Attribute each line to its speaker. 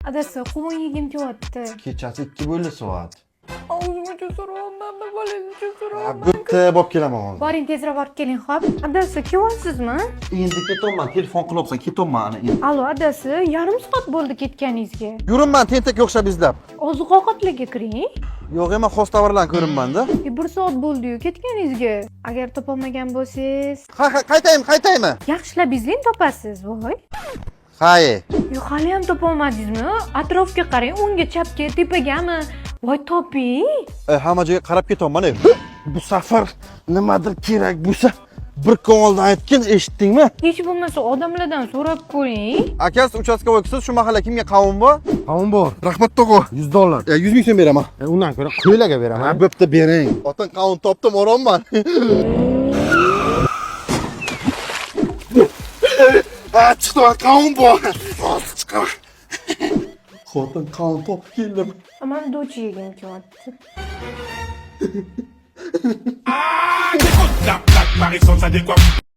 Speaker 1: Adasi, quvun yegim kelyapti.
Speaker 2: Kechasi 2 bo'ldi soat.
Speaker 1: Og'zimga so'rayapman, bolangga so'rayapman.
Speaker 2: Bitta bo'lib kelaman hozir.
Speaker 1: Boring, tezroq borib keling, xo'p. Adasi, kelyapsizmi?
Speaker 2: Endi ketaman, telefon qilyapsan, ketaman ana endi.
Speaker 1: Allo, adasi, yarim soat bo'ldi ketganingizga.
Speaker 2: Yuribman tentak o'xshab izlab.
Speaker 1: Oziq-ovqatlarga kiring.
Speaker 2: Yo'q, men xos tovarlarni ko'rinmanda.
Speaker 1: 1 soat bo'ldi-yu ketganingizga. Agar topolmagan bo'lsangiz,
Speaker 2: Qaytaymi?
Speaker 1: yaxshilab izlang topasiz, voy.
Speaker 2: Haye.
Speaker 1: Yo'q, hali ham topolmadingizmi? Atrofga qarang, o'ngga, chapga, tepagami? Voy, toping.
Speaker 2: Hamma joyga qarab ketyapman. Bu safar nimadir kerak bo'lsa, bir ko'ngildan aytgin, eshitdingmi?
Speaker 1: Hech bo'lmasa odamlardan so'rab ko'ring.
Speaker 2: Akasi uchastkovoysiz, shu mahalla kimga qavun bor?
Speaker 3: Qavun bor.
Speaker 2: Rahmat tog'a.
Speaker 3: $100.
Speaker 2: 100 ming so'm beraman.
Speaker 3: Undan ko'ra qo'ylarga beraman.
Speaker 2: Bo'pti, bering. Otin qavun topdim, oronman. Chiqdi, qavun bor. Hozir chiqaman. Xotin qavun topib keldim.
Speaker 1: Aman do'chi yegim kelyapti.
Speaker 4: La plaque Paris sans sa décoiffe.